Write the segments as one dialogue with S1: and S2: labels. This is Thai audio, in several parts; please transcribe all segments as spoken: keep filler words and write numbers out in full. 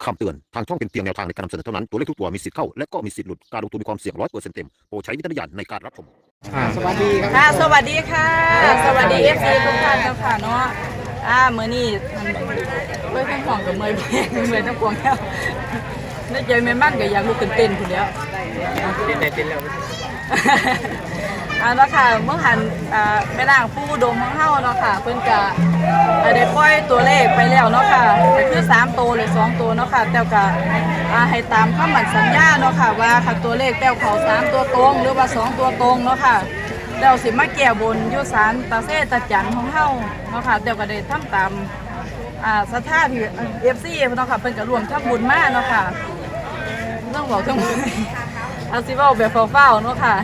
S1: คำเตือนทางช่องเป็นเพียงแนวทางในการนำเสนอเท่านั้นตัวเลขทุกตัวมีสิทธิ์เข้าและก็มีสิทธิ์หลุดการลงทุนมีความเสี่ยงร้อยเปอร์เซ็นต์เต็มโปรดใช้วิจารณญาณในการรับชม
S2: อ่า
S3: สวัสดีครับ
S4: ค่ะสวัสดีค่ะ สวัสดีเอฟซีทุกท่านเจ้าค่ะเนาะอ่ามื้อนี้เว้ยทั้งของกับเมย์เมย์ทั้งปวงแล้วในใจแม่มั่นก็อยากลุกขึ้นเต้นพุ่นแล้ว
S2: เต้นได้เต้นแล้ว
S4: อ่าเนาะค่ะเมื่อหันอ่าแม่นางผู้อุดมของเฮาเนาะค่ะเพิ่นก็ได้ปล่อยตัวเลขไปแล้วเนาะค่ะก็คือสามตัวหรือสองตัวเนาะค่ะแต่ก็อ่าให้ตามคำมั่นสัญญาเนาะค่ะว่าค่ะตัวเลขแต้วเขาสามตัวตรงหรือว่าสองตัวตรงเนาะค่ะแล้วสิมาแก้บนอยู่ศาลตาเซตาจันของเฮาเนาะค่ะแต่ก็ได้ทำตามอ่าศรัทธาที่ เอฟ ซี เนาะค่ะเพิ่นก็ร่วมทำบุญมาเนาะค่ะต้องบอกทั้งหมดเอาสิเว้าแบบเฝ้าๆเนาะค่ะ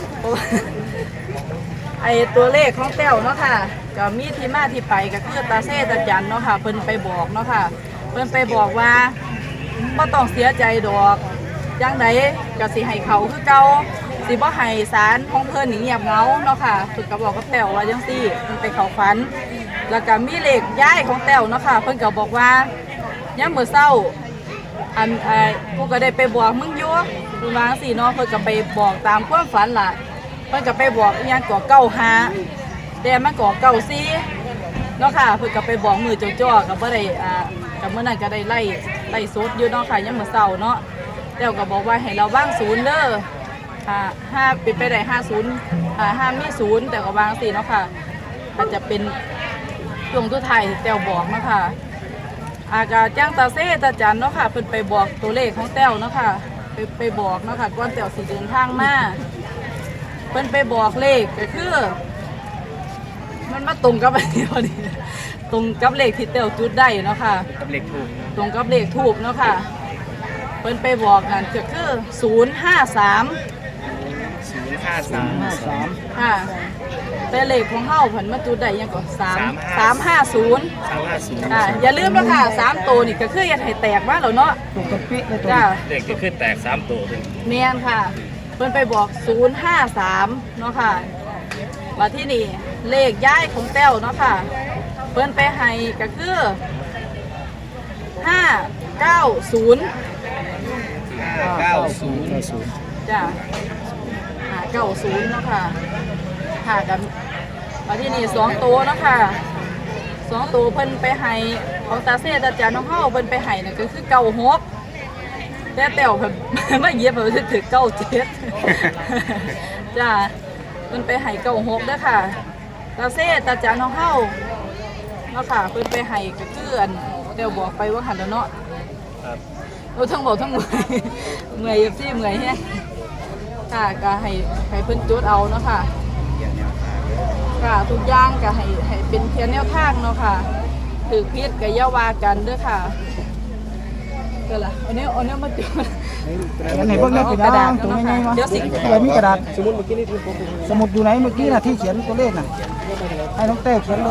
S4: ไอตัวเลขของแต้วเนาะค่ะก็มีที่มาที่ไปก็คือตาเซตาจันเนาะค่ะเพิ่นไปบอกเนาะค่ะเพิ่นไปบอกว่าบ่ต้องเสียใจดอกจังไดก็สิให้เขาคือเก่าสิบ่ให้ศาลของเพิ่นนี่เงียบเหงาเนาะค่ะเพิ่นก็บอกกับแต้วว่าจังซี่เพิ่นไปเข้าฝันแล้วก็มีเลขย้ายของแต้วเนาะค่ะเพิ่นก็บอกว่ายามมื้อเช้าอันไอ้กูก็ได้ไปบอกมึงอยู่เพิ่นว่าจังซี่เนาะเพิ่นก็ไปบอกตามความฝันล่ะเพิ่นก็ไปบอกอีหยังก็เก้าห้าแต่มันก็เก้าสี่เนาะค่ะเพิ่นก็ไปบอกมือจ้อๆก็บ่ได้อ่าก็มื้อนั้นก็ได้ไล่ไล่สดอยู่เนาะค่ะยามมื้อเช้าเนาะแต้วก็บอกว่าให้เราวางศูนย์เด้ออ่าห้าเป็นไปได้ห้าศูนย์อ่าห้ามีศูนย์แต่ก็วางสี่เนาะค่ะอาจจะเป็นช่วงทุกไทายแต้วบอกเนาะค่ะอากาจ้างตาเซ่ตาจันเนาะค่ะเพิ่นไปบอกตัวเลขของแต้วเนาะค่ะไปไปบอกเนาะค่ะก่อนแต้วสิเดินทางมาเพิ่นไปบอกเลขก็คือมันมาตรงกับอันนี้พอดีตรงกับเลขที่แต้วจุดได้เนาะค่ะ
S2: กับเลขถูก
S4: ตรงกับเลขทูบเนาะค่ะเพิ่นไปบอกกันก็คือศูนย์ห้าสาม
S2: ศูนย์ห้าสาม
S3: ห้าสาม
S4: ค่ะแต่เลขของเฮาเพิ่นมาจุดได้ยังก็สาม
S2: สามห้า
S4: สามห้าศูนย์
S2: สามห้าศูนย์
S4: อ่าอย่าลืมนะค่ะสามตัวนี่ก็คืออย่าให้แตกมาแล้วเนาะ
S3: ตกกระเป๊ะเลยตัว
S4: จ้า
S2: เลขที่ขึ้นแตกสามตัวเป็น
S4: แม่นค่ะเพิ่นไปบอกศูนย์ห้าสามเนาะค่ะมาที่นี่เลขย้ายของแต้วเนาะค่ะเพิ่นไปให้ก็คือห้าเก้าศูนย์
S2: ห้าเก้าศูนย์
S3: เก้าศูนย์
S4: จ้ะหาเก้าศูนย์เนาะค่ะหากันมาที่นี่สองตัวเนาะค่ะสองตัวเพิ่นไปให้ของตาเซ่ตาจานน้องเฮาเพิ่นไปให้น่ะก็คือเก้าหกแต่แต้วเพิ่น มาเหยียบเพิ่นถึงเก้าเจ็ด จ้ะเพิ่นไปให้เก้าหกเด้อค่ะตาเซ่ตาจานน้องเฮาเนาะค่ะเพิ่นไปให้ก็คืออันแต้วบอกไปว่าหันแล้วเนาะ
S2: ครับ
S4: เราทั้งบอกทั้งเมื่อยเมื่อยซี่เมื่อยแฮะค่ะก็ให้ให้เพิ่นจุดเอาเนาะค่ะค่ะทุกอย่างก็ให้ให้เป็นเพียงแนวทางเนาะค่ะถือพิษก็อย่าว่ากันเด้อค่ะก็ล่ะเอาเนี้ยเอาเนี้ยมาจุด
S3: เขียนให้เบิ่งได้เป็นกระดาษตัวง่ายๆวะ
S4: เดี๋ยวสิ
S3: เขียนมีกระดาษสมุดเมื่อกี้นี่สมุดอยู่ไหนเมื่อกี้น่ะที่เขียนตัวเลขน่ะให้น้องเต้เขียนเลย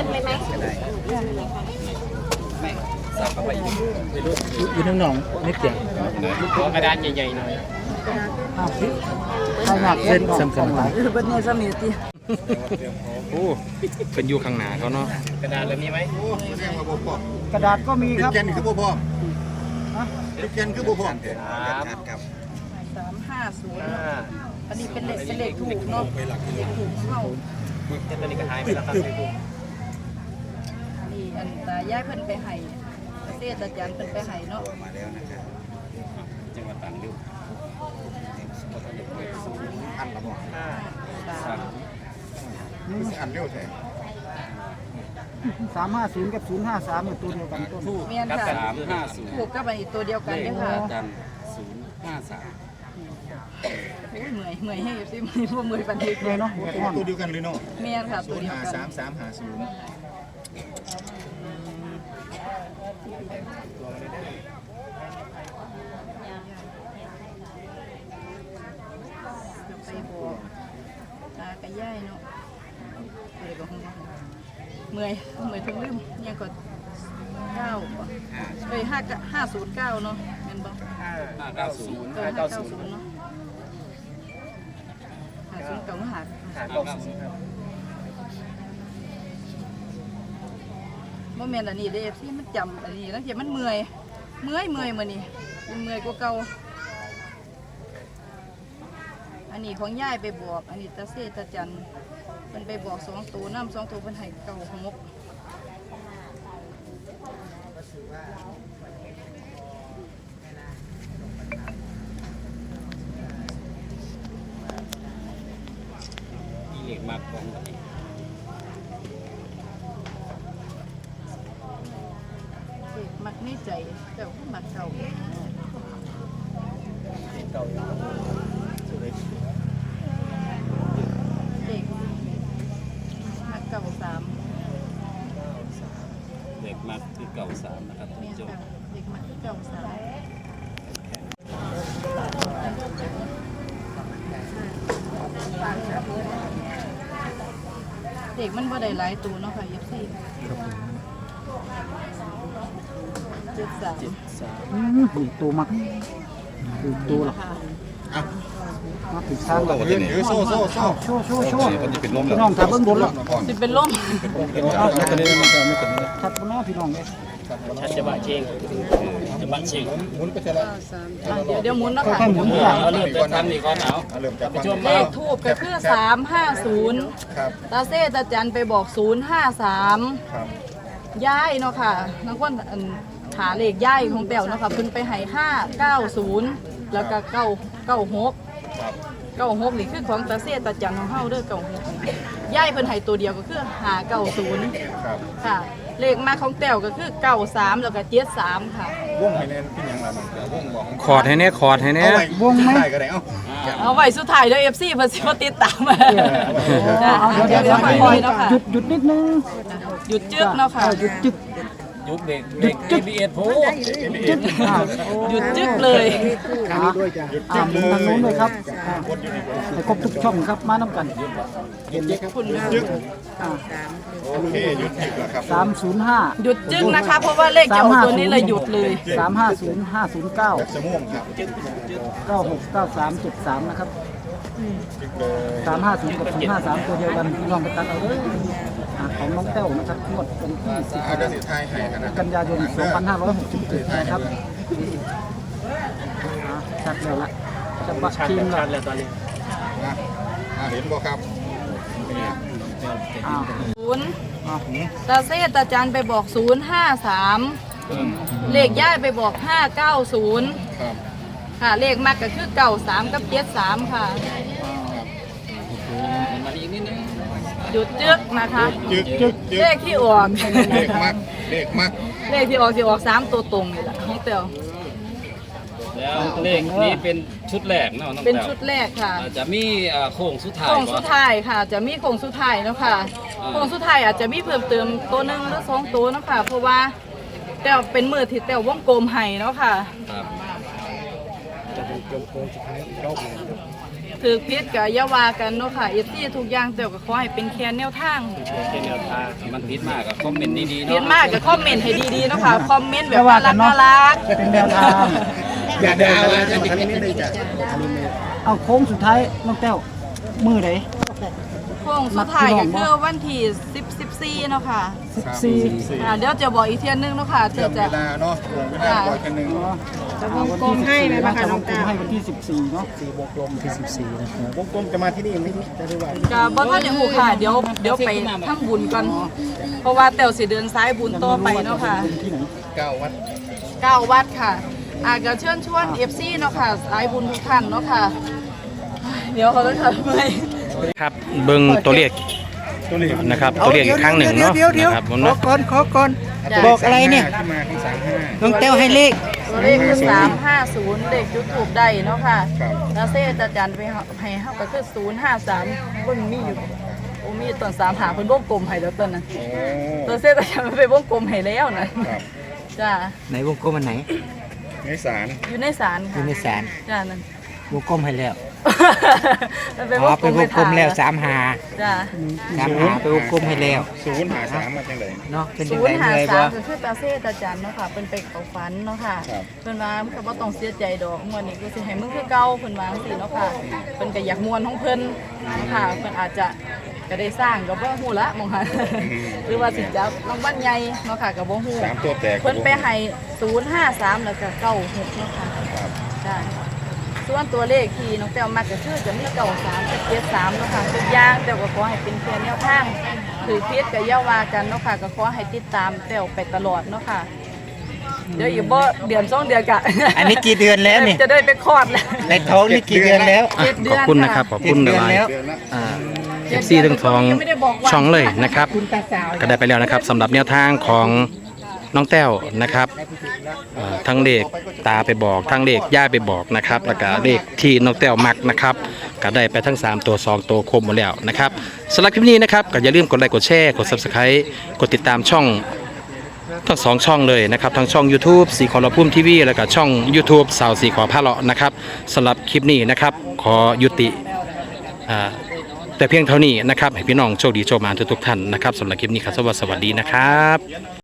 S2: อยู่ทั้งหนองนิดเดียวขอกระดานใหญ่ๆหน่อย
S3: อ้าวใครอยากเขียนสำคัญหลาย
S4: เออบัดนี้ซ้ำนี่ติ
S2: โอ้เป็นอยู่ข้างหน้าเขาเนาะกระดานแล้วมีไหม
S3: กระดาษก็มีครับ
S5: เขียนคือบ่พอ
S3: ฮะ
S5: เขียนคือบ่พอ
S2: ครับ
S5: ครับ
S4: สามห้าศูนย์
S2: ห้า
S4: อันนี้เป็นเลขเป็นเลขถูกเนาะเลขถูกของเฮา
S2: ตัวนี้ก็หายไปแล้วครับเลขถูก
S4: นี่อันตายายเพิ่นไปให้เทศอาจารย์เพิ่นไปให้เนาะ
S5: มาแล้วนะครับ
S2: จังหวัดตรังเร็ว
S5: อันละบ่
S2: ห้าสาม
S5: คือสิอันเร็วแท้
S3: สามห้าศูนย์กับศูนย์ห้าสามเป็นตัวเดียวกันตัวทูบ
S4: แม่น
S2: กับ
S4: ค่ะ
S2: สามห้าศูนย์
S4: ถูกกับอันนี้ตัวเดียวกันเด้อค่ะ
S2: จันศูนย์ห้าสาม
S4: โอ้ยเมื่อยเมื่อยให้สิเมื่อยบ่เมื่อยปานนี้
S3: เลยเนาะหัวก้อน
S5: ตัวเดียวกันเลยเนาะ
S4: แม่นค่ะตัวเดียวกัน
S5: สามสามห้าศูนย์
S4: ไปบอกตากับยายเนาะอะไรก็ฮู้เมื่อยเมื่อยทั้งลืมยังก็เก้าบ่เอ้ยห้าห้าศูนย์เก้าเนาะแม่นบ่
S2: ห้าเก้าศูนย์
S4: เออ
S2: ห้า
S4: ห้า
S2: เก้า
S4: เก้า
S2: ศูน
S4: ศู
S2: ย์
S4: นย์เนาะห้าศูนย์เก้าห้า
S2: ห้าเก้าศูนย์ครับ
S4: บ่แม่นอันนี้เด้อ เอฟ ซี มันจำอันนี้แล้วเดี๋ยวมันเมื่อยเมื่อยเมื่อยมื้อนี้เมื่อยกว่าเก่าอันนี้ของยายไปบอกอันนี้ตาเซตาจันเพิ่นไปบอกสองตัวน้ำสองตัวเพิ่นให้เก่าหก
S2: เด็กมากของ
S4: เด็กมักในใจเจ้าก็มักเก่าเด็กมักเก่าสาม
S2: เด็กมากคือเก่าสามนะครับท่าน
S4: เนี่ย
S2: ผู้ชม
S4: ค่ะเด็กมักเก่าสามเด็กมันบ่ได้หลายตัวเนาะค่ะเอฟซีเจ็ดสาม
S3: อืมดูตัวมักดูตัวหรอ
S4: ค่ะ
S3: มาถึงสร้างแล้ว
S5: ยืนถือโซ่โซ่โซ่
S3: โชว์โชว์โชว์พี่น้องถ้าเบิ่งบนแล้ว
S4: สิเป็นล่ม
S3: เอาชัดเลยชัดบนหน้าพี่น้องเลย
S2: ชัดจะบะเชงจะบะเชง
S5: หมุนไปเท่าไร
S4: อ่ะเดี๋ยวเดี๋ยวหมุนเนาะค่ะ
S3: ค่อยๆหมุนอย่าง
S2: เอาเริ่มต้นทำนี่ก่อนเอา
S5: เริ่มจาก
S2: ไปชม
S4: เล
S2: เอา
S4: ขทูบก็คือสามห้าศูนย์
S5: ครับ
S4: ตาเซตาจันไปบอกศูนย์ห้าสาม
S5: ครับ
S4: ย้ายเนาะค่ะนักวันอันหาเลขย้ายของแป๋วเนาะค่ะเพิ่นไปให้ห้าเก้าศูนย์แล้วก็เก้าเก้าหก
S5: ครับ
S4: เก้าหกนี่คือของตาเซตาจันของเฮาเด้อเก้าหกย้ายเพิ่นให้ตัวเดียวก็คือหาเก้าศูนย์
S5: ครับ
S4: ค่ะ เลขมาของแป๋วก็คือเก้าสามแล้วก็เจ็ดสามค่ะ
S5: วงให้แน่นเป็นอย่างไรบ้างแต่วงบอก
S2: คอร์ดให้แน่คอร์ดให้แน่
S5: เอาไว้วงได้ก็ได้เอ้า
S4: เอาไว้สุดท้ายเด้อ เอฟ ซี เพิ่นสิมาติดตามมา
S3: เอาเดี๋ยวเดี๋ยวเดี๋ยว
S4: คอยเนาะค่ะ
S3: หยุดหยุดนิดนึง
S4: หยุดจึกเนาะค่ะ
S3: หยุดจึก
S2: ยุบเด็กเด็ก เอ บี เอส ผู้
S3: จึกอ่า
S4: หยุดจึกเลย
S3: อ่าอ่าหมุนทางนู้นเลยครับอ่าให้ครบทุกช่องครับมาน้ำกัน
S4: คุณนะ
S3: อ่า
S5: โอเคหยุดหยุดแล้วครับ
S3: สามศูนย์ห้า
S4: หยุดจึกนะคะ เพราะว่าเลขจะออกตัวนี้เลยหยุดเลย
S3: สามห้าศูนย์ห้าศูนย์เก้า
S5: จะม่วงครับ
S3: เก้าหกเก้าสามเจ็ดสามนะครับ
S5: จึกเลย
S3: สามห้าศูนย์กับศูนย์ห้าสามตัวเดียวกันพี่น้องไปตัดเอาเลยอ่าของน้องแต้วนะครับงวดวันที่สิบ
S5: เอาเดี๋ยวสิทายให้กันนะ
S3: กันยายนสองพันห้าร้อยหกสิบเจ็ดนะครับอ่าชัดแล้วละจะบัตรทีมละ
S2: แล้วตอนนี้
S5: นะอ่าเห็นบ่ครับนี่
S3: อ้าว
S4: ศูนย์
S3: อ้าว
S4: ตาเซตาจันไปบอกศูนย์ห้าสามเลขย่ายไปบอกห้าเก้าศูนย์
S5: ครับ
S4: ค่ะ เลขมักก็คือเก้าสามกับเจ็ดสามค่ะ
S2: มาอีกนิดนึง
S4: หยุดจึกนะคะ
S5: จึกจึกจึ
S4: เล
S5: ก
S4: ขที่ออก
S5: เลขมักเลขมัก
S4: เลขที่ออกสิออกสามตัวตรงนี่แหละของเตียว
S2: แล้วเลขนี้เป็นชุดแรกเนาะน้อง
S4: เป็น
S2: แต้ว
S4: ชุดแรกค่ะ
S2: อาจจะมีเอ่อโค้งสุดท้าย
S4: โค้งสุด
S2: บ่
S4: ท้ายค่ะ จะมีโค้งสุดท้ายเนาะค่ะ
S2: อ่า
S4: โค้งสุดท้ายอาจจะมีเพิ่มเติมตัวหนึ่งหรือสองตัวเนาะค่ะ เพราะว่าแต่วเป็นมือที่แต่ววงกลมให้เนาะค่ะ
S2: ครับ
S4: ถือพิษกับยาวากันเนาะค่ะเอฟซีทุกอย่างแต่วก็ขอให้เป็นแค่แนวทาง
S2: เป็นแนวทางมันผิดมากกับคอมเมนต์ดีๆ
S4: เพียน
S2: เนาะ
S4: มากก็คอมเมนต์ให้ดีๆเนาะค่ะ คอมเมนต์แบบน่ารักน่ารัก
S3: เป็นแนวทาง
S5: อย่าดาวนะจะทำนี้เลยจ้ะ
S3: เอาโค้งสุดท้ายน้องแต้วมือไหน
S4: โค้งสุดท้ายก็คือวันที่สิบ สิบสี่เนาะค่ะ
S3: สิบสี่
S4: อ่าเดี๋ยวจะบอกอีกเทียนนึงเนาะค่ะ
S5: เชื่
S4: เดี๋
S5: อ
S4: ยว
S5: มเว
S4: จะ
S5: ลาเนาะวงเวลาบ่อยกันหนึ่ง
S3: จะวงกลมให้ไหมคะน้องแต้วให้วันที่สิบสี่เนาะสี่วงกลมที่สิบสี่นะครับ
S5: วงกลมจะมาที่นี่ไหมจะได้ว่า
S4: ก็บ่ทันได้ฮู้ค่ะ เดี๋ยวเดี๋ยวไปทำบุญก่อนเพราะว่าแต้วสิเดินสายบุญต่อไปเนาะค่ะ
S3: ที่ไหน
S5: เก้าวัด
S4: เก้าวัดค่ะอ่าก็เชิญชวน เอฟ ซี เนาะค่ะสายบุญทุกท่านเนาะค่ะ เดี๋ยวเขาต้องทำไม
S2: ครับเบิ่งตัวเลข
S5: ตัวเลข
S2: นะครับตัวเลขอีกครั้งหนึ่งเนาะนะครับผม
S6: ขอ
S2: เนาะ
S6: ก่อนขอก่อน
S4: จ้ะ
S6: บอกอะไรเนี่ย
S5: ที่มาที่สามห้า
S6: น้องแต้วให้เลข
S4: ตัวเลขคือสามห้าศูนย์เลขยูทูบได้เนาะค่ะ
S5: ครับ
S4: แล้วเซจะจันไปให้เฮาก็คือศูนย์ห้าสามเพิ่นมีอยู่โอ้มีตอนสามหาเพิ่นวงกลมให้แล้วตอนนั้น
S5: โอ้
S4: ตัวเซจะจันไปวงกลมให้แล้วนะครับ จ้า
S6: ไหนวงกลมอันไหน
S5: ในสาร
S4: อยู่ในศาล
S6: อ
S4: ค่ะ
S6: ยู่ในศาล
S4: จ้านั่น
S6: วงกลมให้แล้ว
S4: มันเป็น
S6: อ๋
S4: ว
S6: อง
S4: กล
S6: เป็น
S4: ม
S6: วงกลมแล้วสามหา
S4: จ้า
S6: สามหาเป็นวงกลมให้แล้ว
S5: ศูนย์หาสามมาจังได
S6: เนาะเป็น
S4: ศู
S6: ยัง
S4: น
S6: ไง
S4: ย์หา
S6: เหนื่อย
S4: สา
S6: บ่
S4: มก็คือตาเซตาจันเนาะค่ะเพิ่นไปเขาฝันเนาะค่ะ
S5: ครับ
S4: เพิ่นว่ามันก็บ่ต้องเสียใจดอกม่วนนี้กูสิให้มึงคือเก่าเพิ่นว่าจังซี่เนาะค่ะเพิ่นก็อยากม่วนของเพิ่นเนาะค่ะเพิ่นอาจจะก็ได้สร้างก็บ่ฮู้ละมองหันหรือว่าสิจับรางวัลใหญ่เนาะค่ะก็บ่ฮู้
S5: สามตัวแตก
S4: เพิ่นไปให้ศูนย์ห้าสามแล้วก็เก้าหกเนาะค่ะใช่ส่วนตัวเลขที่น้องแต้วมักก็คือจะมีเก้าสามกับเจ็ดสามเนาะค่ะทุกอย่างแต่ก็ขอให้เป็นเพียงแนวทางถือพิษกับเยาว่ากันเนาะค่ะก็ขอให้ติดตามแต้วไปตลอดเนาะค่ะเดี๋ยวอีกบ่เดือนสองเดือนกะ
S6: อันนี้กี่เดือนแล้วนี่
S4: จะได้ไปคลอดแล้ว
S6: ในท้องนี่กี่เดือนแล้ว
S2: อ่ะขอบคุณนะครับขอบคุณหลาย
S6: เจ็ดเดือนแล้ว
S2: ๆอ่าเอฟซีทั้งทองช่องเลยนะครับ ก็ได้ไปแล้วนะครับสำหรับแนวทางของน้องแต้วนะครับเอ่อทั้งเลขตาไปบอกทั้งเลขย่าไปบอกนะครับแล้วก็เลขที่น้องแต้วมักนะครับก็ได้ไปทั้งสามตัวสองตัวครบหมดแล้วนะครับสำหรับคลิปนี้นะครับก็อย่าลืมกดไลค์กดแชร์กด ซับสไครบ์ กดติดตามช่องทั้งสองช่องเลยนะครับทั้งช่อง ยูทูบ สีขอรพุ่มทีวีแล้วก็ช่อง ยูทูบ สาวสีขอผ้าเลาะนะครับสำหรับคลิปนี้นะครับขอยุติอ่าแต่เพียงเท่านี้นะครับให้พี่น้องโชคดีโชคมาทุกๆท่านนะครับสำหรับคลิปนี้ครับสวัสดีนะครับ